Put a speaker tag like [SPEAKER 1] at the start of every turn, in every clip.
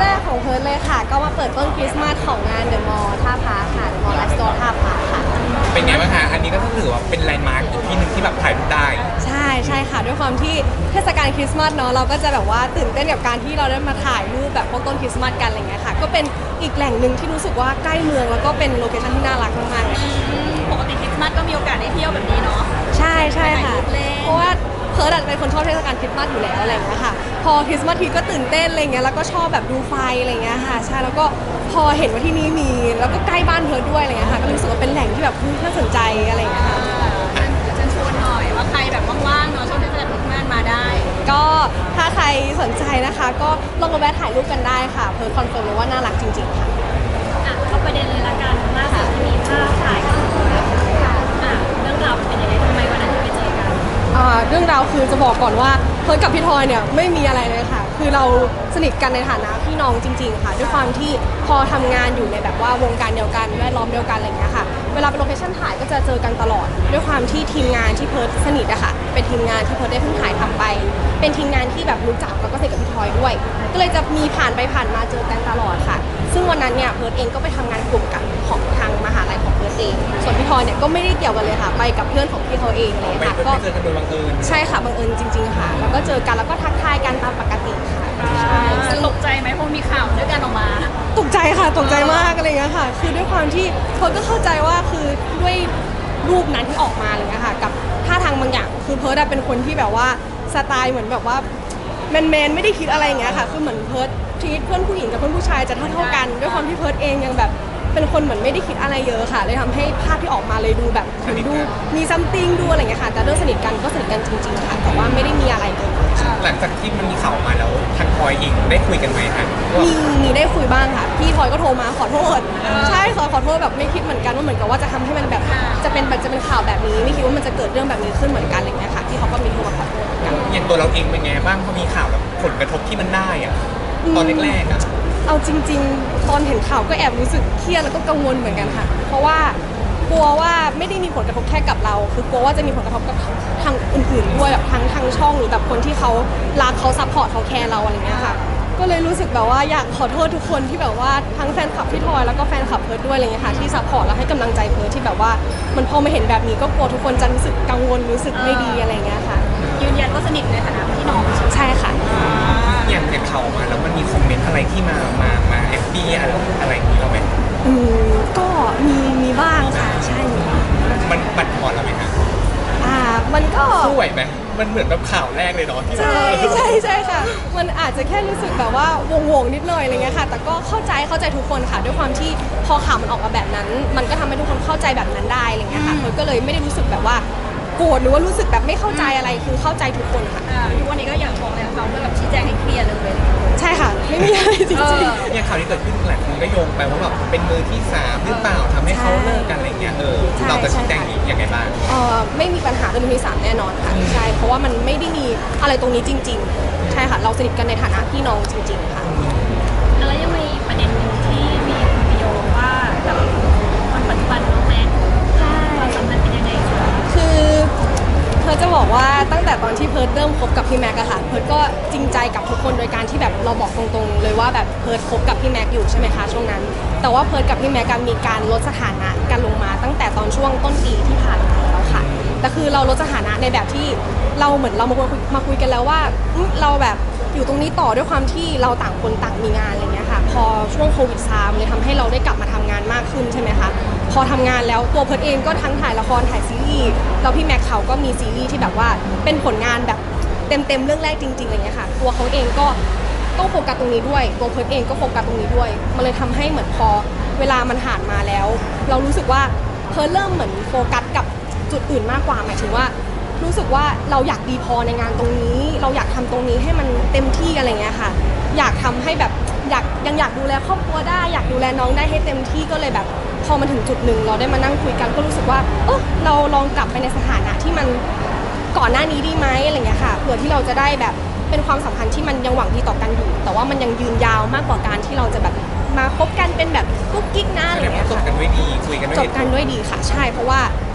[SPEAKER 1] แรกของเพิร์ทเลยค่ะก็มาเปิดต้นคริสต์มาสของงานเดอะมอลล์ท่าพระค่ะเดอะมอลล์ไลฟ์สโตร์ท่าพระค่ะ
[SPEAKER 2] เป็นไงบ้างคะอันนี้ก็ถือว่าเป็นแลนด์มาร์คอีกที่หนึ่งที่แบบถ่ายรูปได้
[SPEAKER 1] ใช่ค่ะด้วยความที่เทศกาลคริสต์มาสเนาะเราก็จะแบบว่าตื่นเต้นกับการที่เราได้มาถ่ายรูปแบบพวกต้นคริสต์มาสกันอะไรเงี้ยค่ะก็เป็นอีกแหล่งหนึ่งที่รู้สึกว่าใกล้เมืองแล้วก็เป็นโลเคชั่นที่น่ารักมากๆเลย
[SPEAKER 3] ปกติคริสต์มาสก็มีโอกาสได้เที่ยวแบบนี้เนาะ
[SPEAKER 1] ใช่ค่ะเพราะว่าเพิร์ดเป็นคนชอบเทศกาลคริสต์มาสอยู่แล้วอะไรอย่างเงี้ยค่ะพอคริสต์มาสทีก็ตื่นเต้นอะไรเงี้ยแล้วก็ชอบแบบดูไฟอะไรเงี้ยค่ะใช่แล้วก็พอเห็นว่าที่นี่มีแล้วก็ใกล้บ้านเพิร์ดด้วยอะไรเงี้ยค่ะก็รู้สึกว่าเป็นแหล่งที่แบบน่าสนใจอะไรเงี้ยค่ะ
[SPEAKER 3] เชิญชวนหน่อยว่าใครแบบว่างๆเนาะช่วงเทศกาลคริสต์มาสมาได้
[SPEAKER 1] ก็ถ้าใครสนใจนะคะก็ลองมาแวะถ่ายรูปกันได้ค่ะเพิร์ดคอนเฟิร์มเลยว่าน่ารักจริงๆค่ะ
[SPEAKER 3] เข้าประเด็นเลยละกันล่าสุดที่มีภาพถ่ายกับเรื่องราวเป็นยังไงทำไมวันนั้นถึงไปเจอกัน
[SPEAKER 1] เรื่องราวคือจะบอกก่อนว่าเพิร์ทกับพี่ทอยเนี่ยไม่มีอะไรเลยค่ะคือเราสนิทกันในฐานะพี่น้องจริงๆค่ะด้วยความที่พอทำงานอยู่ในแบบว่าวงการเดียวกันแวดล้อมเดียวกันอะไรอย่างเงี้ยค่ะเวลาไปโลเคชั่นถ่ายก็จะเจอกันตลอดด้วยความที่ทีมงานที่เพิร์ทสนิทอะค่ะเป็นทีมงานที่เพิร์ทได้เพิ่งถ่ายทำไปเป็นทีมงานที่แบบรู้จักแล้วก็สนิทกับพี่ทอยด้วยก็เลยจะมีผ่านไปผ่านมาเจอกันตลอดค่ะซึ่งวันนั้นเนี่ยเพิร์ทเองก็ไปทำงานกลุ่มกับของทางมหาลัยของเพิร์ทเองส่วนพี่ทอยเนี่ยก็ไม่ได้เกี่ยวกันเลยค่ะไปกับเพื่อนของพี่เขาเองเลยค่ะ
[SPEAKER 2] ก็เจอกันโดยบังเอิญ
[SPEAKER 1] ใช่ค่ะบังเอิญจริงๆค่ะแล้วก็เจอกันแล้วก็ทักทายกันตามปกติค่ะใช่
[SPEAKER 3] ตกใจไหมพอมีข่าวด้วยกันออกมา
[SPEAKER 1] ตกใจค่ะตกใจมากอะไรเงี้ยค่ะคือด้วยความที่เพิร์ทก็เข้าใจว่าคือด้วยรูปนั้นที่ออกมาอะไรเงี้ยค่ะกับท่าทางบางอย่างคือเพิร์ทเป็นคนที่แบบว่าสไตล์เหมือนแบบว่าแมนไม่ได้คิดอะไรอย่างเงี้ยค่ะคือเหมือนเพิร์ททีเพื่อนผู้หญิงกับเพื่อนผู้ชายจะเท่ากันด้วยความที่เพิร์ทเองยังแบบเป็นคนเหมือนไม่ได้คิดอะไรเยอะค่ะเลยทำให้ภาพที่ออกมาเลยดูแบบดูมีซัมติงดูอะไรเงี้ยค่ะแต่เรื่องสนิทกันก็สนิทกันจริงๆค่ะแต่ว่าไม่ได้มีอะไรเลย
[SPEAKER 2] หลังจากที่มันมีข่าวมาแล้วทางพลอยเองได้คุยกันไหมคะ
[SPEAKER 1] มีได้คุยบ้างค่ะพี่ทอยก็โทรมาขอโทษใช่ขอโทษแบบไม่คิดเหมือนกันว่าเหมือนกับว่าจะทำให้มันแบบจะเป็นข่าวแบบนี้ไม่คิดว่ามันจะเกิดเรื่องแบบนี้ขึ้นเหมือนกันอะไรเงี้ยค่ะพี่เขาก็มีโทรมาขอโทษเหมือนกัน
[SPEAKER 2] อย่างตัวเราเองเป็นไงบ้างพอมีข่าวแบบผลกระทบที่มันได้อะตอนแรกๆอะ
[SPEAKER 1] เอาจริงๆตอนเห็นข่าวก็แอบรู้สึกเครียดแล้วก็กังวลเหมือนกันค่ะเพราะว่ากลัวว่าไม่ได้มีผลกระทบแค่กับเราคือกลัวว่าจะมีผลกระทบกับทางอื่นๆด้วยแบบทางช่องหรือแบบคนที่เขารักเขาซัพพอร์ตเขาแคร์เราอะไรเงี้ยค่ะก็เลยรู้สึกแบบว่าอยากขอโทษทุกคนที่แบบว่าทั้งแฟนคลับพี่ทอยแล้วก็แฟนคลับเพิร์ดด้วยอะไรเงี้ยค่ะที่ซัพพอร์ตแล้วให้กำลังใจเพิร์ดที่แบบว่ามันพอมาเห็นแบบนี้ก็กลัวทุกคนจะรู้สึกกังวลรู้สึกไม่ดีอะไรเงี้ยค่ะ
[SPEAKER 3] ยืนยันว่าสนิทในฐานะพี่น้อง
[SPEAKER 1] ใช่ค่ะ
[SPEAKER 2] อย่างข่าวมาแล้วมันมีคอมเมนต์อะไรที่มาแอบบี้อะไรอย่างนี้เราไหม
[SPEAKER 1] ก็มีบ้างค่ะใช่
[SPEAKER 2] มันบั่นทอนเราไหมคะ
[SPEAKER 1] มันก็
[SPEAKER 2] สู้ไหวไหมมันเหมือนแบบข่าวแรกเลยเนาะ
[SPEAKER 1] ใช่ค่ะมันอาจจะแค่รู้สึกแบบว่าวงนิดหน่อยอะไรเงี้ยค่ะแต่ก็เข้าใจทุกคนค่ะด้วยความที่พอข่าวมันออกมาแบบนั้นมันก็ทำให้ทุกคนเข้าใจแบบนั้นได้อะไรเงี้ยค่ะมันก็เลยไม่ได้รู้สึกแบบว่าโกรธหรือว่ารู้สึกแบบไม่เข้าใจอะไรคือเข้าใจทุกคนค่ะ
[SPEAKER 3] ทุกวันนี้ก็อยากบอกเลยเขาเพื่อแบบชี้แจงให้เคลียร์เลย
[SPEAKER 1] ใช่ค่ะไม่มีอะไรจริง
[SPEAKER 2] ๆอย่างข่าวที่เกิดขึ้นหลายคนก็โยงไปว่าแบบเป็นมือที่3หรือเปล่าทำให้เขาเลิกกันอะไรเงี้ยเราจะชี้แจงยังไงบ้าง
[SPEAKER 1] ไม่มีปัญหาเรื่องมือที่3แน่นอนค่ะใช่เพราะว่ามันไม่ได้มีอะไรตรงนี้จริงๆใช่ค่ะเราสนิทกันในฐานะพี่น้องจริงๆค่ะ
[SPEAKER 3] แล้วยังมีประเด็นหนึ่งที่มีประโยชน์ว่ากับคนปัจจุบันน้องแม็กความสัมพันธ์เป็นยังไง
[SPEAKER 1] คือเพิร์ทจะบอกว่าตั้งแต่ตอนที่เพิร์ทเริ่มคบกับพี่แม็กอะค่ะเพิร์ทก็จริงใจกับทุกคนโดยการที่แบบเราบอกตรงๆเลยว่าแบบเพิร์ทคบกับพี่แม็กอยู่ใช่ไหมคะช่วงนั้นแต่ว่าเพิร์ทกับพี่แม็กมีการลดสถานะกันลงมาตั้งแต่ตอนช่วงต้นปีที่ผ่านมาแล้วค่ะแต่คือเราลดสถานะในแบบที่เราเหมือนเรามาคุยกันแล้วว่าเราแบบอยู่ตรงนี้ต่อด้วยความที่เราต่างคนต่างมีงานอะไรเงี้ยค่ะพอช่วงโควิดซามเลยทำให้เราได้กลับมาทำงานมากขึ้นใช่ไหมคะพอทำงานแล้วตัวเพิร์ทเองก็ทั้งถ่ายละครถ่ายซีรีส์แล้วพี่แม็กเขาก็มีซีรีส์ที่แบบว่าเป็นผลงานแบบเต็มเรื่องแรกจริงๆอะไรเงี้ยค่ะตัวเขาเองก็ต้องโฟกัสตรงนี้ด้วยตัวเพิร์ทเองก็โฟกัสตรงนี้ด้วยมันเลยทำให้เหมือนพอเวลามันผ่านมาแล้วเรารู้สึกว่าเพิร์ทเริ่มเหมือนโฟกัสกับจุดอื่นมากกว่าหมายถึงว่ารู้สึกว่าเราอยากดีพอในงานตรงนี้เราอยากทำตรงนี้ให้มันเต็มที่อะไรเงี้ยค่ะอยากทำให้แบบยังอยากดูแลครอบครัวได้อยากดูแลน้องได้ให้เต็มที่ก็เลยแบบพอมาถึงจุดหนึ่งเราได้มานั่งคุยกันก็รู้สึกว่าเราลองกลับไปในสถานะที่มันก่อนหน้านี้ดีไหมอะไรเงี้ยค่ะเผื่อที่เราจะได้แบบเป็นความสัมพันธ์ที่มันยังหวังดีต่อกันอยู่แต่ว่ามันยังยืนยาวมากกว่าการที่เราจะแบบมาคบกันเป็นแบบกุ๊กกิ๊กนะอะไรเงี้ยค่ะ
[SPEAKER 2] จบกันด้วยดีคุยกันด้วย
[SPEAKER 1] จบกันด้วยดีค่ะใช่เพราะว่า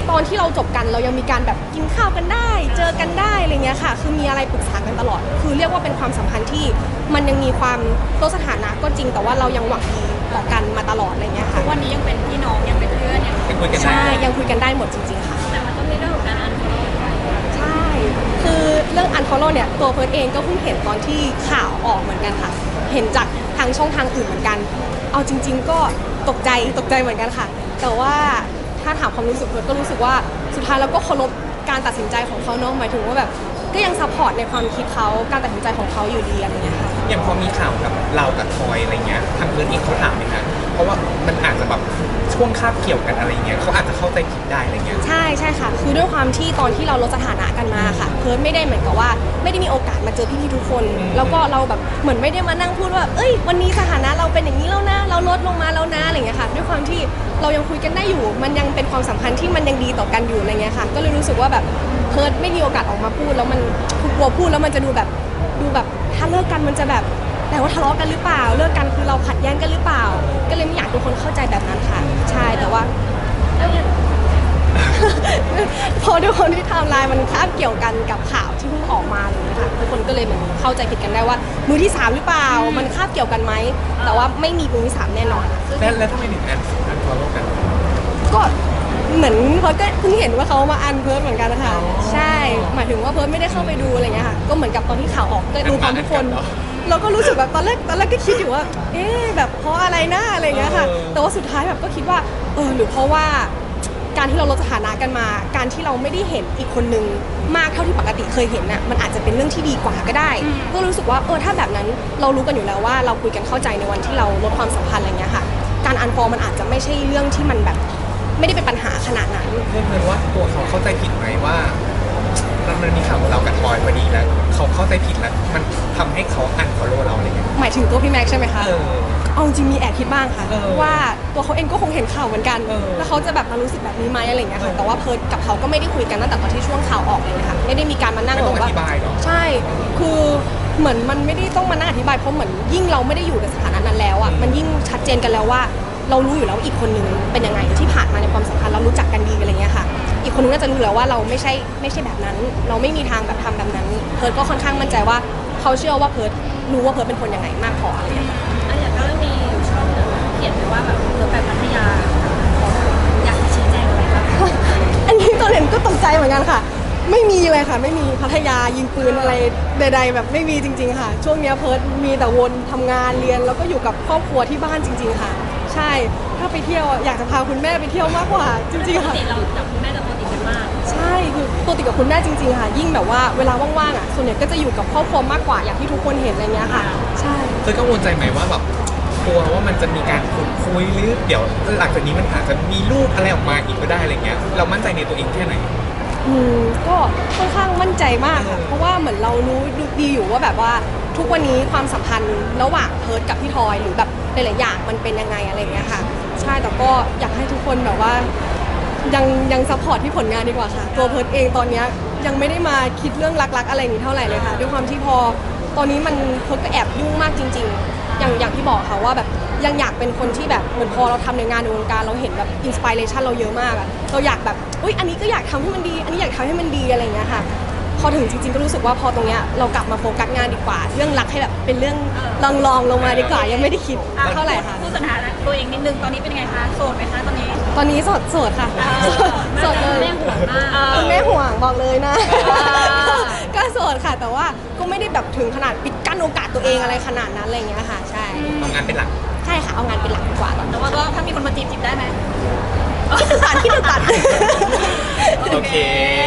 [SPEAKER 1] ตอนที่เราจบกันเรายังมีการแบบกินข้าวกันได้ เจอกันได้อะไรเงี้ยค่ะ คือมีอะไรปรึกษากันตลอด คือเรียกว่าเป็นความสัมพันธ์ที่มันยังมีความลดสถานะก็จริงแต่ว่าเรายังหวังดีต่อกันมาตลอดอะไรเงี้ยค่ะ
[SPEAKER 3] วันนี้ยังเป็นพี่น้องยังเป็นเพื่อนยัง
[SPEAKER 2] ยังคุยกันได้
[SPEAKER 1] ใช่ยังคุยกันได้หมดจริงๆค่ะ
[SPEAKER 3] แต่มันก็มีเรื่องของการอันฟอลโล่ไป
[SPEAKER 1] ใช่ คือเรื่อง unfollow เนี่ยตัวเพิร์ดเองก็เพิ่งเห็นตอนที่ข่าวออกเหมือนกันค่ะ เห็นจากทางช่องทางอื่นเหมือนกัน เอาจริง ๆ ก็ตกใจเหมือนกันค่ะ แต่ว่าถ้าถามความรู้สึกเพิร์ดก็รู้สึกว่าสุดท้ายเราก็เคารพการตัดสินใจของเขาเนาะหมายถึงว่าแบบก็ยังซัพพอร์ตในความคิดเขาการตัดสินใจของเขาอยู่ดีอะไรเงี้ยค่ะ
[SPEAKER 2] อย่างพอมีข่าวกับเรากับทอยอะไรเงี้ยทางเพื่อนเองเขาถามไหมคะเพราะว่ามันอาจจะแบบช่วงคาบเกี่ยวกันอะไรเงี้ยเขาอาจจะเข้าใจผิดได้อะไรเงี้ย
[SPEAKER 1] ใช่ค่ะ คือด้วยความที่ตอนที่เราลดสถานะกันมาค่ะ เพิร์ดไม่ได้เหมือนกับว่าไม่ได้มีโอกาสมาเจอพี่ๆทุกคน แล้วก็เราแบบเหมือนไม่ได้มานั่งพูดว่า เอ้ยวันนี้สถานะเราเป็นอย่างนี้แล้วนะ เราลดลงมาแล้วนะอะไรเงี้ยค่ะ ด้วยความที่เรายังคุยกันได้อยู่ มันยังเป็นความสัมพันธ์ที่มันยังดีต่อกันอยู่อะไรเงี้ยค่ะ ก็เลยรู้สึกว่าแบบเพิร์ดไม่มีโอกาสออกมาพูดแล้วมันกลัวพูดแล้วมันจะดูแบบถ้าเลิกกันมันจะแบบแต่ว่าทะเลาะกันหรือเปล่า เลิกกันคือเราขัดแย้งกันหรือเปล่า ก็เลยไม่อยากให้ทุกคนเข้าใจแบบนั้นค่ะ ใช่แต่ว่า พอด้วยคนที่ไทม์ไลน์มันคาบเกี่ยวกันกับข่าวที่เพิ่งออกมาเลยนะคะทุกคนก็เลยเหมือนเข้าใจผิดกันได้ว่ามือที่3หรือเปล่า มันคาบเกี่ยวกันไหมแต่ว่าไม่มีมือที่3แน่นอนค่ะ
[SPEAKER 2] แล้วทำไมถึงอันฟอลโล่กัน
[SPEAKER 1] ก็เหมือนเพิร์ดก็เพิ่งเห็นว่าเขามาอันเพิร์ดเหมือนกันนะคะใช่หมายถึงว่าเพิร์ดไม่ได้เข้าไปดูอะไรเงี้ยค่ะก็เหมือนกับตอนที่ข่าวออกก็ดูพร้อมทุกคน เราก็รู้สึกแบบตอนแรกก็คิดอยู่ว่า เอ๊ะแบบเพราะอะไรนะอะไรเงี้ยค่ะ แต่ว่าสุดท้ายแบบก็คิดว่าหรือเพราะว่าการที่เราลดสถานะกันมา การที่เราไม่ได้เห็นอีกคนนึงมากเท่าที่ปกติเคยเห็นน่ะมันอาจจะเป็นเรื่องที่ดีกว่าก็ได้ ก็รู้สึกว่าถ้าแบบนั้นเรารู้กันอยู่แล้วว่าเราคุยกันเข้าใจในวันที่เราลดความสัมพันธ์อะไรเงี้ยค่ะ การอันฟอลมันอาจจะไม่ใช่เรื่องที่มันแบบไม่ได้เป็นปัญหาขนาดนั้น
[SPEAKER 2] เพื่อนว่าตัวเขาเข้าใจผิดไหมว่ามันมีข่าวกับเรากับทอยพอดีแล้วเขาเข้าใจผิดแล้วมันทำให้เขาอันฟอลโล่เราอะไรเงี้ย
[SPEAKER 1] หมายถึงตัวพี่แม็กซ์ใช่ไหมคะ
[SPEAKER 2] เออ
[SPEAKER 1] เอาจริงมีแอบคิดบ้างค่ะ
[SPEAKER 2] เออ
[SPEAKER 1] ว่าตัวเขาเองก็คงเห็นข่าวเหมือนกัน
[SPEAKER 2] เออ
[SPEAKER 1] แล้วเขาจะแบบมารู้สึกแบบนี้ไหมอะไรอย่างเงี้ยค่ะแต่ว่าเพิร์ดกับเขาก็ไม่ได้คุยกันตั้งแต่ตอนที่ช่วงข่าวออกเลยค่ะไม่ได้มีการมานั่ง
[SPEAKER 2] ไม่ต้อง
[SPEAKER 1] แบบ
[SPEAKER 2] อธิบายเนอะ
[SPEAKER 1] ใช่คือเหมือนมันไม่ได้ต้องมานั่งอธิบายเพราะเหมือนยิ่งเราไม่ได้อยู่ในสถานะนั้นแล้วอ่ะมันยิ่งชัดเจนกันแล้วว่า เรารู้อยู่แล้วอีกคนนึงเป็นยังไงที่ผ่านมาในความสัมพันธ์เรารู้จักกันดีอะไรเงี้ยค่ะ อีกคนนึงน่าจะรู้แล้วว่าเราไม่ใช่แบบนั้น เราไม่มีทางแบบทำแบบนั้น เพิร์ดก็ค่อนข้างมั่นใจว่าเขาเชื่อว่าเพิร์ดรู้ว่าเพิร์ดเป็นคนยังไงมากพออะไรเงี้ย
[SPEAKER 3] อันอย่างก็มีอยู่ช่องหนึ่งเขียนไว้ว่าแบบเราไปพัทยาอยากจะชี้แจงอะไรบ้าง
[SPEAKER 1] อันนี้ตอนเห็นก็ตกใจเหมือนกันค่ะ ไม่มีเลยค่ะ ไม่มีพัทยายิงปืนอะไรใดๆแบบไม่มีจริงๆค่ะ ช่วงเนี้ยเพิร์ดมีแต่วนทำงานเรียนแล้วก็อยู่กับครอบครัวที่บ้านจริง ๆค่ะ ใช่ถ้าไปเที่ยวอยากจะพาคุณแม่ไปเที่ยวมากกว่าจริงๆ
[SPEAKER 3] ปก
[SPEAKER 1] ค่ะ
[SPEAKER 3] ติเรากับคุณแม่จะปกติกันมาก
[SPEAKER 1] ใช่คือปกติกับคุณแม่จริงๆค่ะ ยิ่งแบบว่าเวลาว่างๆอ่ะส่วนใหญ่ก็จะอยู่กับครอบครัวมากกว่าอย่างที่ทุกคนเห็นอะไรเงี้ยค่ะ ใช่
[SPEAKER 2] เคยกังวลใจไหมว่าแบบกลัวว่ามันจะมีการขุดคุยหรือเดี๋ยวหลังจากนี้มันอาจจะมีลูกอะไรออกมาอีกก็ได้อะไรเงี้ยเรามั่นใจในตัวเองแค่ไหน
[SPEAKER 1] ก็ค่อนข้างมั่นใจมากค่ะเพราะว่าเหมือนเรารู้ดีอยู่ว่าแบบว่าทุกวันนี้ความสัมพันธ์ระหว่างเพิร์ดกับพี่ทอยหรือแบบหลายๆอย่างมันเป็นยังไงอะไรอย่างเงี้ยค่ะ ใช่แต่ก็อยากให้ทุกคนแบบว่ายังซัพพอร์ตที่ผลงานดีกว่าค่ะ ตัวเพิร์ดเองตอนเนี้ยยังไม่ได้มาคิดเรื่องรักๆอะไรอย่างนี้เท่าไหร่เลยค่ะด้วยความที่พอตอนนี้มันเพิร์ดก็แอบยุ่งมากจริง ๆ อย่างที่บอกค่ะว่าแบบยังอยากเป็นคนที่แบบเหมือนพอเราทำในงานในวงการเราเห็นแบบอินสปิเรชันเราเยอะมากอะเราอยากแบบอุ๊ยอันนี้ก็อยากทำให้มันดี อันนี้อยากทำให้มันดีอะไรอย่างเงี้ยค่ะ พอถึงจริงๆก็รู้สึกว่าพอตรงเนี้ยเรากลับมาโฟกัสงานดีกว่า เรื่องรักให้แบบเป็นเรื่องลองลงมาดีกว่ายังไม่ได้คิดเท่าไหร่ค่ะ
[SPEAKER 3] พูดสถานะตัวเองนิดนึงตอนนี้เป็นยังไงคะโสดไหมคะตอนนี้
[SPEAKER 1] ตอนนี้โสดค่ะโสดเลย
[SPEAKER 3] แม่ห่วงมาก
[SPEAKER 1] คุณแม่ห่วงบอกเลยนะ
[SPEAKER 3] อ่า
[SPEAKER 1] ก็โสดค่ะ แต่ว่าก็ไม่ได้แบบถึงขนาดปิดกั้นโอกาสตัวเองอะไรขนาดนั้นอะไรอย่างเงี้ยค่ะ ใช่
[SPEAKER 2] เอางานเป็นหลัก
[SPEAKER 1] ใช่ค่ะเอางานเป็นหลักดีกว่าตอนนี้
[SPEAKER 3] แต่ว่าก็ถ้ามีคนมาจีบได้ไหม
[SPEAKER 1] ที่ตื่นตัน
[SPEAKER 2] โอเค